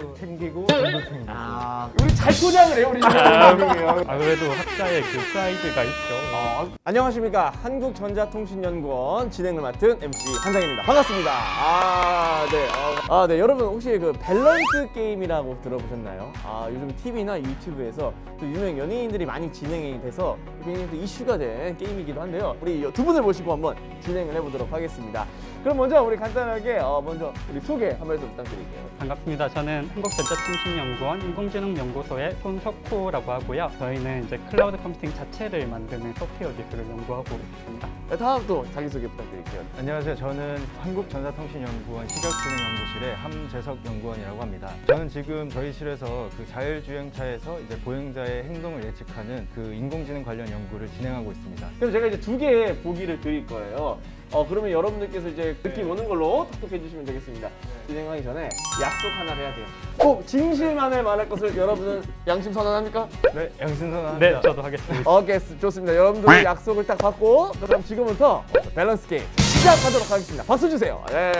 챙기고 저도 챙기고. 우리 잘 포장을 해요, 우리 지금. 아무래도 학자의 그 프라이드가 있죠. 안녕하십니까. 한국전자통신연구원 진행을 맡은 MC 한상입니다. 반갑습니다. 네. 여러분 혹시 그 밸런스 게임이라고 들어보셨나요? 요즘 TV나 유튜브에서 또 유명 연예인들이 많이 진행이 돼서 굉장히 또 이슈가 된 게임이기도 한데요. 우리 두 분을 모시고 한번 진행을 해보도록 하겠습니다. 그럼 먼저 우리 간단하게 먼저 우리 소개 한 말씀 부탁드릴게요. 반갑습니다. 저는 한국전자통신연구원 인공지능연구소의 손석호라고 하고요. 저희는 이제 클라우드 컴퓨팅 자체를 만드는 소프트웨어 기술을 연구하고 있습니다. 네, 다음 또 자기소개 부탁드릴게요. 안녕하세요. 저는 한국전자통신연구원 시각진흥연구실의 함재석 연구원이라고 합니다. 저는 지금 저희 실에서 그 자율주행차에서 이제 보행자의 행동을 예측하는 그 인공지능 관련 연구를 진행하고 있습니다. 그럼 제가 이제 2개의 보기를 드릴 거예요. 그러면 여러분들께서 이제 느낌 오는 걸로 톡톡해 주시면 되겠습니다. 진행하기 전에 약속 하나를 해야 돼요. 꼭 진실만을 말할 것을 여러분은 양심 선언합니까? 네, 양신선합니다. 네, 저도 하겠습니다. 오케이, 좋습니다. 여러분들 약속을 딱 받고 그럼 지금부터 밸런스 게임 시작하도록 하겠습니다. 박수 주세요. 예.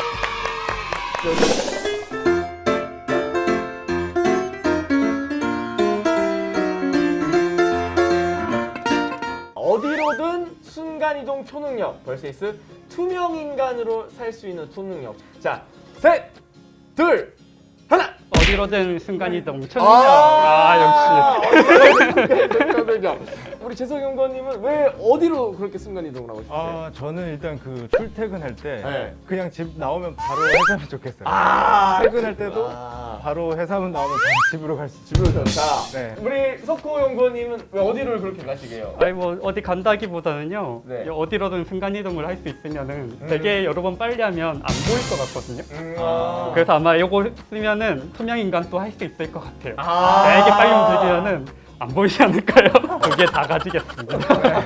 어디로든 순간이동 초능력 vs 투명인간으로 살 수 있는 초능력. 자, 셋, 둘, 하나. 어디로든 순간이동 초능력. 역시. 우리 재석 연구원님은 왜 어디로 그렇게 순간이동을 하고 싶으세요? 저는 일단 그 출퇴근할 때 네. 그냥 집 나오면 바로 회사면 좋겠어요. 퇴근할 때도 바로 회사면 나오면 바로 집으로 갈 수 있죠. 집으로 좋다. 네. 우리 석호 연구원님은 왜 어디를 그렇게 가시게요? 아니 뭐 어디 간다기보다는요. 네. 어디로든 순간이동을 할 수 있으면은 되게 여러 번 빨리 하면 안 보일 것 같거든요. 그래서 아마 이거 쓰면은 투명 인간도 할 수 있을 것 같아요. 되게 빨리 움직이면은 안 보이지 않을까요? 두 개 다 가지겠습니다.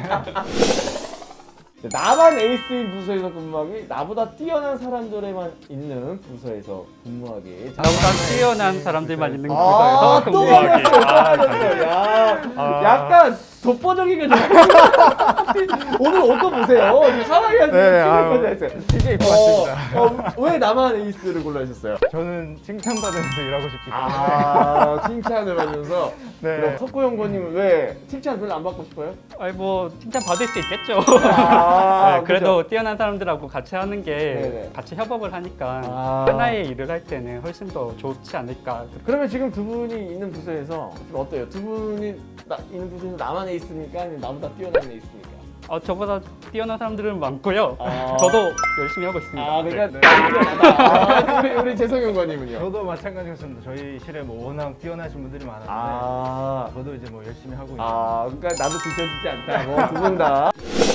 나만 에이스인 부서에서 근무하기, 나보다 뛰어난 사람들에만 있는 부서에서 근무하기. 나보다 뛰어난 사람들만 있는 곳에서 또 근무하기. 걸렸어요. 약간 독보적인 게 오늘 옷도 보세요. 상황이 아주 충격까지 했어요. 이게 맞습니다. 왜 나만 에이스를 골라주셨어요? 저는 칭찬받으면서 일하고 싶기 때문에. 칭찬을 받으면서. 네. 그럼 석호 연구원님은 왜 칭찬 별로 안 받고 싶어요? 아니 뭐 칭찬 받을 수 있겠죠. 네, 그래도 그래도 뛰어난 사람들하고 같이 하는 게 네네. 같이 협업을 하니까 하나의 일을 할 때는 훨씬 더 좋지 않을까. 그러면 지금 두 분이 있는 부서에서 좀 어때요? 두 분이 있는 부서에서 나만 에이스입니까? 아니면 나보다 뛰어난 에이스입니까? 저보다 뛰어난 사람들은 많고요. 아. 저도 열심히 하고 있습니다. 그러니까 네. 뛰어나다. 우리 재성 연구원님은요? 저도 마찬가지였습니다. 저희 실에 뭐 워낙 뛰어나신 분들이 많았는데 저도 이제 뭐 열심히 하고 있어요. 그러니까 나도 뒤처지지 않다고 두 분 다.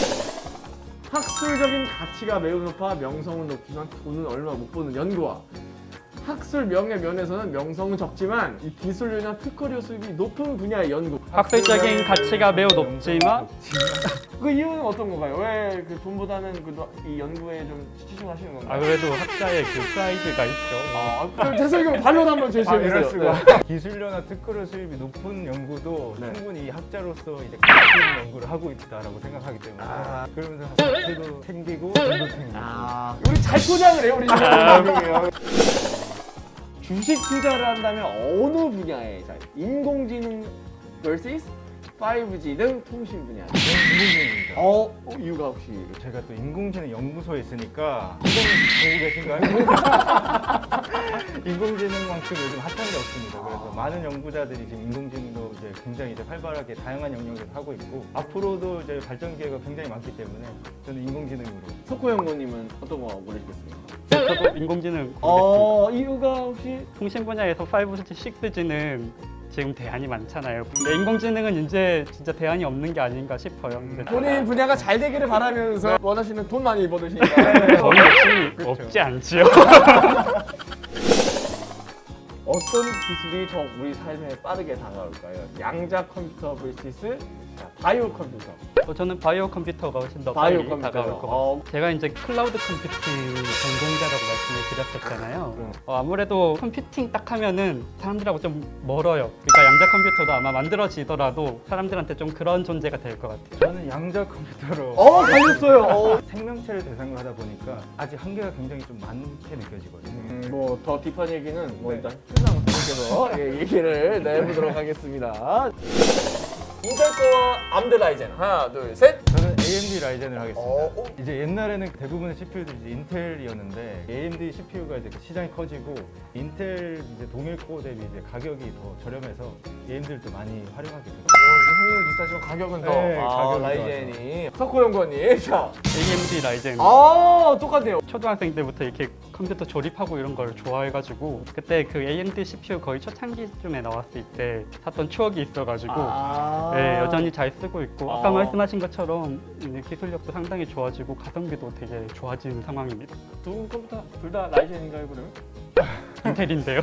학술적인 가치가 매우 높아 명성은 높지만 돈은 얼마 못 버는 연구와 학술 명예 면에서는 명성은 적지만 이 기술료나 특허료 수입이 높은 분야의 연구. 학술적인 가치가 매우 높지만 그 이유는 어떤 건가요? 왜 그 돈보다는 이 연구에 좀 치중하시는 건가요? 그래도 학자의 그 프라이드가 있죠. 그럼 재석이 반론 한번 제시해 이럴 주세요. 수가. 기술료나 특허료 수입이 높은 연구도 네. 충분히 학자로서 이제 가치 있는 연구를 하고 있다라고 생각하기 때문에 그러면서 가치도 챙기고 저도 챙기고. 우리 잘 포장을 해요, 우리 지금. 주식 투자를 한다면 어느 분야에? 자, 인공지능 vs 5G 등 통신 분야. 인공지능입니다. 이유가 혹시? 제가 또 인공지능 연구소에 있으니까 보고 계신가요? 인공지능만큼 요즘 핫한 게 없습니다. 그래서 많은 연구자들이 지금 인공지능도 이제 굉장히 이제 활발하게 다양한 영역에서 하고 있고 앞으로도 이제 발전 기회가 굉장히 많기 때문에 저는 인공지능으로. 석호 연구원님은 어떤 거 고르시겠습니까? 저도 인공지능 고르겠습니다. 이유가 혹시? 통신 분야에서 5G, 6G는 지금 대안이 많잖아요. 근데 인공지능은 이제 진짜 대안이 없는 게 아닌가 싶어요. 근데 본인 분야가 잘 되기를 바라면서 원하시는 돈 많이 버으시니까 저희 역시 없지 않지요. 어떤 기술이 더 우리 삶에 빠르게 다가올까요? 양자 컴퓨터 vs 자, 바이오 컴퓨터. 저는 바이오 컴퓨터가 훨씬 더 바이오 빨리 컴퓨터. 다가올 것 같아요. 제가 이제 클라우드 컴퓨팅 전공자라고 말씀을 드렸었잖아요. 아무래도 컴퓨팅 딱 하면은 사람들하고 좀 멀어요. 그러니까 양자 컴퓨터도 아마 만들어지더라도 사람들한테 좀 그런 존재가 될 것 같아요. 저는 양자 컴퓨터로 갈렸어요. 생명체를 대상으로 하다 보니까 아직 한계가 굉장히 좀 많게 느껴지거든요. 뭐 더 딥한 얘기는 뭐 네. 일단 끝나고 분께서 얘기를 내보도록 하겠습니다. 인텔 거와 암드 라이젠 하나 둘 셋. 저는 AMD 라이젠을 하겠습니다. 어? 이제 옛날에는 대부분의 CPU들이 이제 인텔이었는데 AMD CPU가 이제 시장이 커지고 인텔 이제 동일 코어 대비 이제 가격이 더 저렴해서 AMD를 또 많이 활용하게 됐어요. 성능이 비슷하지만 가격은 더. 네, 가격은 라이젠이. 석호 연구원님. 자. AMD 라이젠. 똑같네요. 초등학생 때부터 이렇게 컴퓨터 조립하고 이런 걸 좋아해가지고 그때 그 AMD CPU 거의 초창기쯤에 나왔을 때 샀던 추억이 있어가지고 네, 여전히 잘 쓰고 있고 아까 말씀하신 것처럼 이제 기술력도 상당히 좋아지고 가성비도 되게 좋아진 상황입니다. 두 컴퓨터 둘 다 라이젠인가요 그러면? 인텔인데요.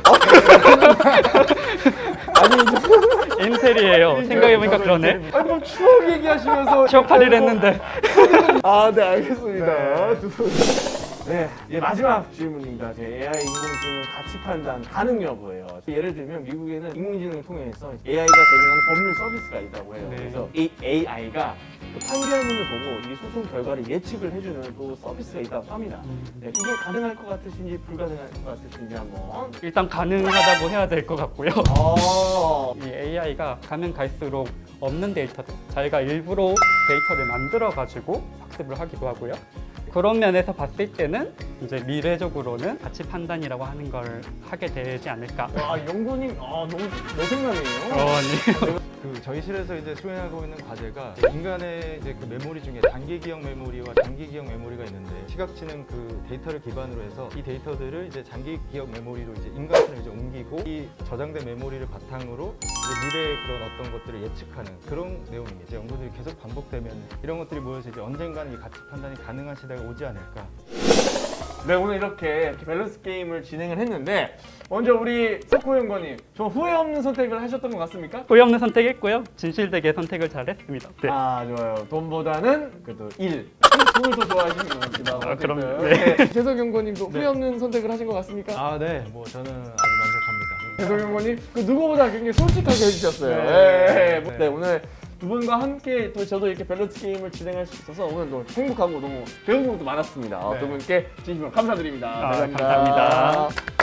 아니 인텔이에요. 생각해보니까 그러네. 아니 뭐 추억 얘기하시면서 취업하리를 했는데. 네 알겠습니다. 두 분. 네, 이제 마지막 질문입니다. 제 AI 인공지능 가치 판단 가능 여부예요. 예를 들면 미국에는 인공지능을 통해서 AI가 제공하는 법률 서비스가 있다고 해요. 네. 그래서 이 AI가 판결문을 보고 이 소송 결과를 예측을 해주는 또 서비스가 있다고 합니다. 네, 이게 가능할 것 같으신지 불가능할 것 같으신지 한번. 일단 가능하다고 해야 될 것 같고요. 아, 이 AI가 가면 갈수록 없는 데이터들, 자기가 일부러 데이터를 만들어가지고 학습을 하기도 하고요. 그런 면에서 봤을 때는 이제 미래적으로는 가치 판단이라고 하는 걸 하게 되지 않을까. 연구님, 너무 내 생각이에요. 네. 그 저희 실에서 이제 수행하고 있는 과제가 인간의 이제 그 메모리 중에 단기 기억 메모리와 장기 기억 메모리가 있는데 시각지능 그 데이터를 기반으로 해서 이 데이터들을 이제 장기 기억 메모리로 이제 인간처럼 이제 옮기고 이 저장된 메모리를 바탕으로 이제 미래의 그런 어떤 것들을 예측하는 그런 내용입니다. 이제 연구들이 계속 반복되면 이런 것들이 모여서 이제 언젠가는 이 가치 판단이 가능한 시대가 오지 않을까. 네, 오늘 이렇게 밸런스 게임을 진행을 했는데 먼저 우리 석호 연구님 좀 후회 없는 선택을 하셨던 것 같습니까? 후회 없는 선택했고요. 진실되게 선택을 잘했습니다. 네. 좋아요. 돈보다는 그래도 일. 돈을 더 좋아하시는 것 같습니다. 그럼 네. 재석 연구님도 후회 없는 선택을 하신 것 같습니까? 네, 뭐 저는 아주 만족합니다. 재석 연구님 그 누구보다 굉장히 솔직하게 해주셨어요. 네. 네, 오늘 두 분과 함께 또 저도 이렇게 밸런스 게임을 진행할 수 있어서 오늘 너무 행복하고 너무 배운 것도 많았습니다. 네. 두 분께 진심으로 감사드립니다. 감사합니다.